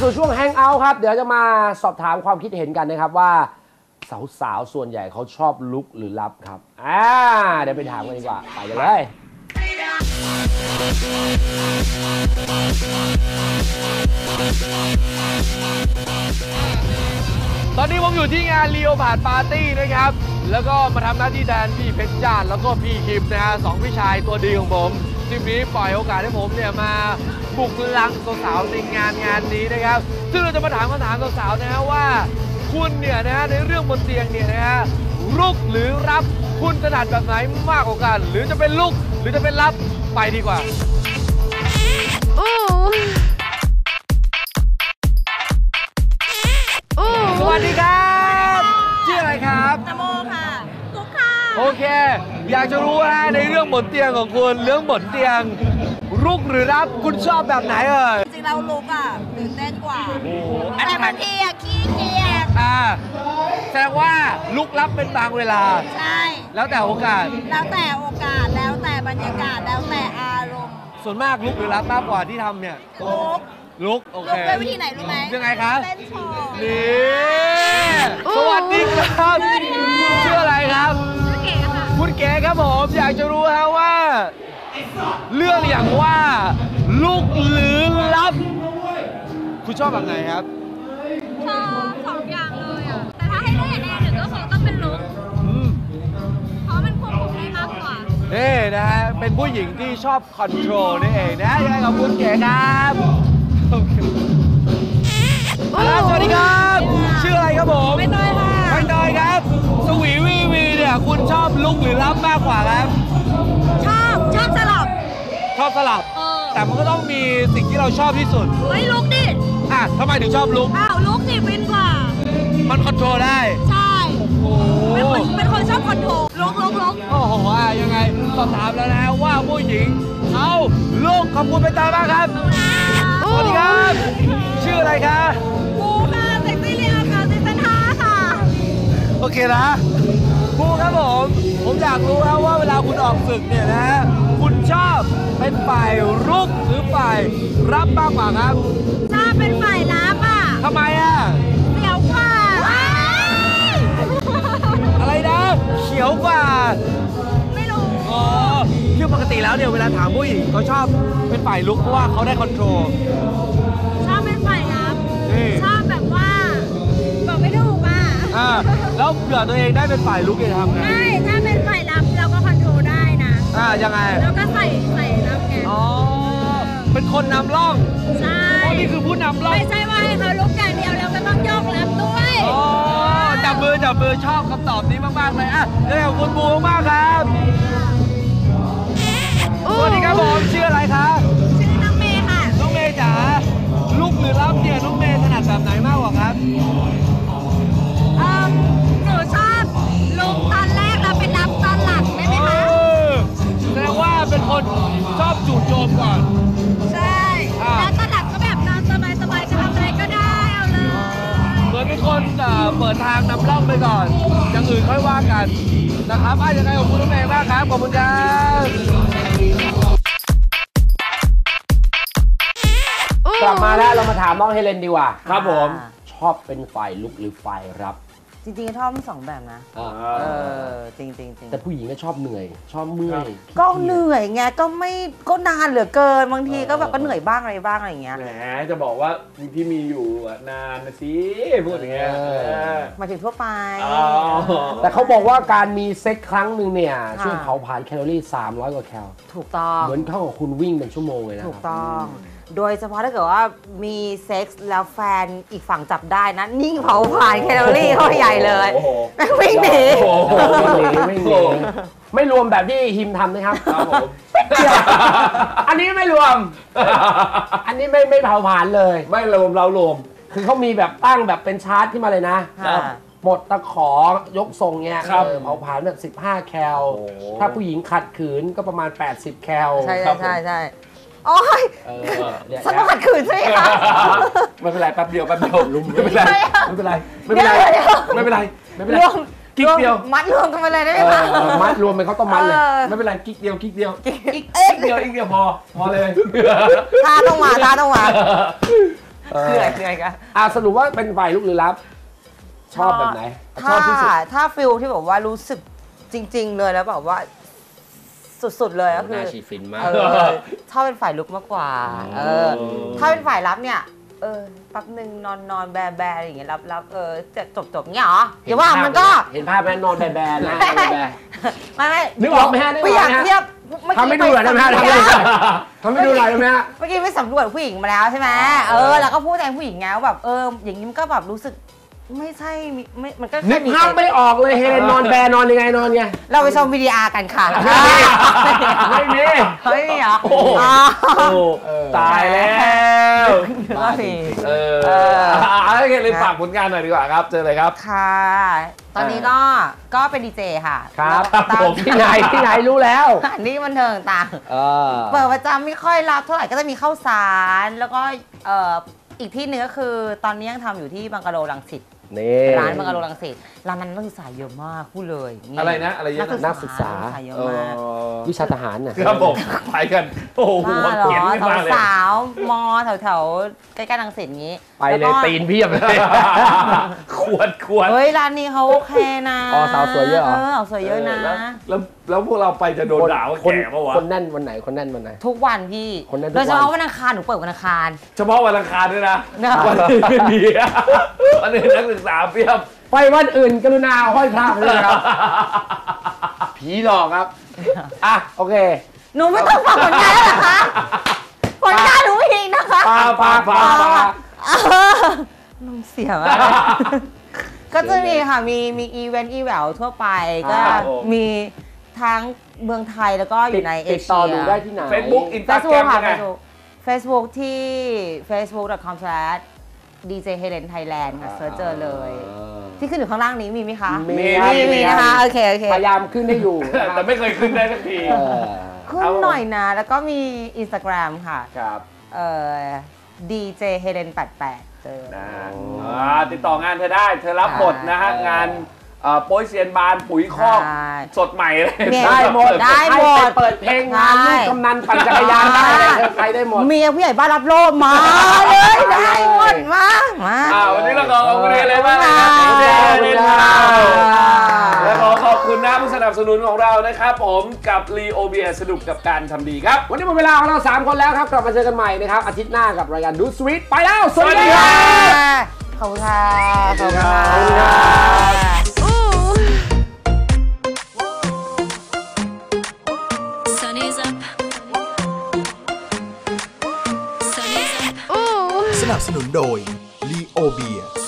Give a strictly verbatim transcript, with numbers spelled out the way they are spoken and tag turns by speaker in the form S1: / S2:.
S1: สู่ช่วงแฮงเอาท์ครับเดี๋ยวจะมาสอบถามความคิดเห็นกันนะครับว่าสาวๆส่วนใหญ่เขาชอบลุกหรือลับครับอ่าเดี๋ยวไปถามกันดีกว่าไปกันเลย
S2: ตอนนี้ผมอยู่ที่งานลีโอพาร์ดปาร์ตี้นะครับแล้วก็มาทำหน้าที่แทนพี่เพชรจ้าแล้วก็พี่คิมนะฮะสองพี่ชายตัวดีของผมทีนี้ปล่อยโอกาสให้ผมเนี่ยมาบุกลังสาวๆในงานงานนี้นะครับซึ่งเราจะมาถามคำถามสาวๆนะฮะว่าคุณเนี่ยนะฮะในเรื่องบนเตียงเนี่ยนะฮะลุกหรือรับคุณถนัดแบบไหนมากกว่ากันหรือจะเป็นลุกหรือจะเป็นรับไปดีกว่าสวัสดีครับชื่ออะไรครับ
S3: นโมค่ะกุ๊กค่ะ
S2: โอเคอยากจะรู้ว่าในเรื่องบนเตียงของคุณเรื่องบนเตียงลุกหรือรับคุณชอบแบบไหนเอ่ย
S3: จริงๆเราลุกอ่ะตื่นเต้นกว่าแต่บางทีอ่ะขี้เกียจ
S2: อ่าแสดงว่าลุกรับเป็นบางเวลา
S3: ใช่
S2: แล้วแต่โอกาส
S3: แล้วแต่โอกาสแล้วแต่บรรยากาศแล้วแต่อารมณ์
S2: ส่วนมากลุกหรือรับมากกว่าที่ทำเนี่ย
S3: ลุก
S2: ลุกโอเค
S3: ลุกด้วยวิธีไหนรู้ไหม
S2: ยังไงครับ
S3: เต้นโชว์
S2: นี่สวัสดีครับชื่ออะไรครับ
S3: ชื่อเก๋ค่ะ
S2: คุณเก๋ครับผมอยากจะรู้ฮะว่าเรื่องอย่างว่าลุกหรือรับคุณชอบแบบไหนครับ
S3: ชอบสองอย่างเลยอ่ะแต่ถ้าให้เลือกอย่างใดหนึ่งก็คงต้องเป็นลุกเพราะมันควบคุมได้มากกว่า
S2: นี่นะฮะเป็นผู้หญิงที่ชอบคอนโทรลนี่เองนะยังไงกับคุณเก๋ครับสวัสดีครับชื่ออะไรครับผม
S3: ไม่น้อยค่ะ
S2: ไม่น้อยครับสวีวีวีเนี่ยคุณชอบลุกหรือรับมากกว่าครับ
S3: ชอบชอบสลับ
S2: ชอบสลับแต่มันก็ต้องมีสิ่งที่เราชอบที่สุด
S3: เฮ้ยลุกดิ
S2: อ่ะทำไมถึงชอบลุก
S3: อ้าวลุกสิฟินกว่า
S2: มันคอนโทรลได้
S3: ใช่โอ้เป็นคนเป็นคนชอบคอนโทรลลุกลุกลุก
S2: โอ้โหอ่ะยังไงสอบถามแล้วนะว่าผู้หญิงเขาลุกขอบคุณไปตามมากครับสวัสดีครับชื่ออะไรคะ
S3: กูค่ะเซ็กซี่เรียค่ะซีซั่นห้าค่ะ
S2: โอเคนะครูครับผมผมอยากรู้ครับว่าเวลาคุณออกศึกเนี่ยนะคุณชอบเป็นฝ่ายรุกหรือฝ่ายรับมากกว่าครับ
S3: ชอบเป็นฝ่ายรับอ่ะ
S2: ทำไมอ่ะ
S3: เขียวกว่า
S2: อะไรนะเขียวกว่า
S3: ไม่รู้
S2: อ๋อคือปกติแล้วเนี่ยเวลาถามผู้หญิงเขาชอบเป็นฝ่ายลุกเพราะว่าเขาได้คอนโทรล
S3: ชอบเป็นฝ่ายรับชอบแบบว่าบอกไม่ถูกอ่ะ
S2: อ่าแล้วเผื่อตัวเองได้เป็นฝ่ายลุกจะทำไง
S3: ใช่ถ้าเป็นฝ่ายรับเราก็คอนโทรลได้นะ
S2: อ่ายังไง
S3: แล้วก็ใส่ใส่รับไง
S2: อ๋อเป็นคนนำร่อง
S3: ใช่
S2: นี่คือผู้นำร่อง
S3: ไม่ใช่ว่าให้เขาลุกอย่างเดียวเราก็ต้องโยกรับด้วย
S2: อ๋อจับมือจับมือชอบคำตอบนี้มากๆเลยอ่ะเดี๋ยวคุณบูมากครับสวัสดีครับผมชื่ออะไรคะ
S3: ชื่อน้องเมย์ค่ะ
S2: น้องเมย์จ๋าลุกหรือรับเนี่ยน้องเมย์ถนัดแบบไหนมากกว่าครับ
S3: เอ่อหนูชอบลุกตอนแรกแล้วเป็นรับตอนหลังได้ไหมคะ
S2: แสดงว่าเป็นคนชอบจู่โจมก่อน
S3: ใช่แล้วตอนหลังก็แบบนอนสบายๆจะทำอะไรก็ได้เอาเลย
S2: เหมือนเป็นคนเปิดทางนำร่องไปก่อนอย่างอื่นค่อยว่ากันนะครับอ่ะยังไงขอบคุณน้องเมย์มากครับขอบคุณครับ
S1: กลับมาแล้วเรามาถามน้องเฮเลนดีกว่า
S2: ครับผม
S1: ชอบเป็นฝ่ายลุกหรือฝ่ายรับ
S4: จริงๆชอบทั้งสองแบบนะเออจริงๆจริง
S1: แต่ผู้หญิงก็ชอบเหนื่อยชอบเมื่อย
S4: ก็เหนื่อยไงก็ไม่ก็นานเหลือเกินบางทีก็แบบก็เหนื่อยบ้างอะไรบ้างอะไรอย่างเงี้ย
S2: แหมจะบอกว่าที่มีอยู่นานนะสิพูดอย่างเงี้ย
S4: มาถึงทั่วไป
S1: แต่เขาบอกว่าการมีเซ็กครั้งหนึ่งเนี่ยช่วยเผาผลาญแคลอรี่สามร้อยกว่าแคล
S4: ถูกต้อง
S1: เหมือนเท่ากับคุณวิ่งเป็นชั่วโมงเลยนะ
S4: ถูกต้องโดยเฉพาะถ้าเกิดว่ามีเซ็กส์แล้วแฟนอีกฝั่งจับได้นะนิ่งเผาผลาญแคลอรี่เข้าใหญ่เลยวิ่งหนี
S1: ไม่หนีไม่รวมแบบที่ฮิมทำนะครับอันนี้ไม่รวมอันนี้ไม่ไม่เผาผลาญเลย
S2: ไม่รวมเรารวม
S1: คือเขามีแบบตั้งแบบเป็นชาร์ตขึ้นมาเลยนะหมดตะขอยกทรงเงี้ยเผาผลาญแบบสิบห้าแคลถ้าผู้หญิงขัดขืนก็ประมาณแปดสิบแคล
S4: ใช่ใช่ใช่โอ้ยฉันต้องขัดขืนใช่ไหมคะ
S2: ไม่เป็นไรแป๊บเดียวแป๊บเดียวไม่เป็นไรไม่เป็นไรไม่เป็นไรไม่เป็นไรไม่เป็นไรกิ๊กเดียว
S4: มัดรวมกันไปเลยได้ไหมคะ
S1: มัดรวมเป็นเขาต้องมัดเลยไม่เป็นไรกิ๊กเดียวกิ๊กเดียวกิ๊กเดียวกิ๊กเดียวพอพอเลย
S4: ท่าต้องมาท่าต้องมาเหนื่อยเหนื่อยกัน
S1: อ่ะสรุปว่าเป็นฝ่ายลุกหรือรับ ชอบแบบไหนช
S4: ถ้า
S1: อบที่สุด
S4: ถ้าฟิลที่แบบว่ารู้สึกจริง ๆ เลยแล้วแบบว่าสุดๆเลยก็คือ
S1: น่าชีฟินมาก
S4: เออชอบเป็นฝ่ายลุกมากกว่าเออถ้าเป็นฝ่ายรับเนี่ยเออแป๊บนึงนอนนอนแบแบอะไรอย่างเงี้ยรับรับเออจะจบจบเงี้ยเหรออย่าว่ามันก็
S1: เห็นภาพไหมนอนแบแบนะแบแบ
S4: ไม่ไม่
S1: นึกออกไหมฮะนึกออก
S4: ไม่
S1: ไหมฮะ
S4: อยากเทียบ
S1: ทำให้ดูหน่อยได้ไหมฮะทำให้ดูหน่อยได้ไหมฮะ
S4: เมื่อกี้ไปสำรวจผู้หญิงมาแล้วใช่ไหมเออแล้วก็พูดแทนผู้หญิงไงว่าแบบเอออย่างนี้มันก็แบบรู้สึกไม่ใช่ไม่มันก็
S1: นึ
S4: แค่
S1: ก
S4: มี
S1: ภาพไม่ออกเลยเฮเลนนอนแบนอนยังไงนอนไง
S4: เราไปชมวิดีอาร์กันค่ะ
S1: ไม่มี
S4: ไม่มีเหรอ
S1: โอ้โห
S4: อ๋อ
S2: ตายแล้ว
S4: ก็มี
S2: เออเอาโอเคเลยฝากผลงานหน่อยดีกว่าครับเจอเลยครับ
S4: ค่ะ ตอนนี้ก็ก็เป็นดีเจค่ะ
S1: ครับ
S4: แล้วก็
S1: ผมที่ไหนที่ไหนรู้แล้ว
S4: อันนี้บันเทิงต่าง
S1: เออ
S4: เปิดประจำไม่ค่อยรับเท่าไหร่ก็จะมีข้าวสารแล้วก็เอ่ออีกที่หนึ่งก็คือตอนนี้ยังทำอยู่ที่บังกะโลรังสิต
S1: นี่
S4: ร้านบังกะโลรังสิตร้านนั้นนักศึกษาเยอะมากพูดเลย
S2: อะไรนะอะไรเยอะนะ
S1: นักศึกษา
S4: นักศึกษาเยอะ
S2: เอ
S4: มาก
S2: อ
S1: วิชาทหารน่ะ
S2: ครับผมไปกัน โอ้โห
S4: บ้าเหรอ
S2: เขียนขึ้นมาเลย
S4: สาวๆมอแถวๆใกล้ๆรังสิตอย่างนี้
S1: ไปเลยตีนเพียบเลย
S2: ขวดขวด
S4: เฮ้ยร้านนี้เขาโอเคนะ
S1: อ๋อสาวสวยเยอะเหรอ
S4: เออสาวสวยเยอะนะ
S2: แล้วแล้วแล้วพวกเราไปจะโดนด่าว่า
S1: คน
S2: แก่ปะวะ
S1: คนแน่นวันไหนคนแน่นวันไหน
S4: ทุกวันพี่
S1: คนนั้นทุก
S4: โดยเฉพาะ
S1: วัน
S4: วันอังคารหนูเปิดวันอังคาร
S2: เฉพาะวันอังคารด้วยนะ
S4: นะครับ
S2: วันอื่นไม่มีวันอื่นนักศึกษาเพียบ
S1: ไปวันอื่นกรุณาห้อยพระไปเลยครับ ผีหลอกครับ อ่ะ โอเค
S4: หนูไม่ต้องฟังผลงานแล้วเหรอคะผลงานหนูเองนะคะ
S1: ปลาปลาปลาปลา
S4: น้ำเสียมากก็จะมีค่ะ มีมีอีเวนต์อีแววทั่วไปก็
S2: ครับผม
S4: มีทั้งเมืองไทยแล้วก็อยู่ในเอ
S1: ติด
S4: เชีย
S1: ต่อดูได้ที่ไหน
S2: เฟซบุ๊กอินสตาแกร
S4: Facebook
S2: ม
S4: ค่ะ
S2: ยังไง
S4: Facebook Facebook ที่ เฟซบุ๊ก ดอท คอม สแลช ดี เจ เฮเลน ไทยแลนด์ ค่ะเซิร์ชเจอเลย ที่ขึ้นอยู่ข้างล่างนี้มีไหมคะ
S1: มี
S4: มีมีนะคะ โอเค โอเค
S1: พยายามขึ้นให้อยู่นะค
S2: แต่
S1: รับ
S2: ไม่เคยขึ้นได้สักที
S1: เออ
S4: ขึ้นหน่อยนะ แล้วก็มี Instagram ค่ะ
S1: ครับ
S4: เอ่อ ดี เจ เฮเลน แปดแปด เจอ
S2: นะอ่าติดต่องานเธอได้ เธอรับหมดนะฮะ งานเอ่อโป้ยเซียนบานปุ๋ยคอก
S4: ใช่
S2: สดใหม่เลย
S4: เนี่ย
S1: ได้หมด
S4: ได้หมด
S1: ให้ไปเปิดเพลงงานลูกกำนันปั่นจักรยานได้เลยเธอไปได้หมด
S4: เมียผู้ใหญ่บ้านรับโลกมาเลยได้หมดมา มา
S2: อ่าวันนี้เราขอขอบคุณเอเลยมากเลยนะ
S4: ขอบคุณค่ะ
S2: ขอบคุณค่ะและขอขอบคุณนะผู้สนับสนุนของเรานะครับผมกับลีโอเบียสนุกกับการทำดีครับ
S1: วันนี้หมดเวลาของเราสามคนแล้วครับ กลับมาเจอกันใหม่นะครับ อาทิตย์หน้ากับรายการดูสวีทไปแล้ว สวัสดีครับ
S4: ขอบคุณค่ะ ขอบคุณ
S1: ขอบคุณ
S4: ค่ะ
S3: Sunny's up. Sunny's up.
S5: สนับสนุนโดย ลีโอเบีย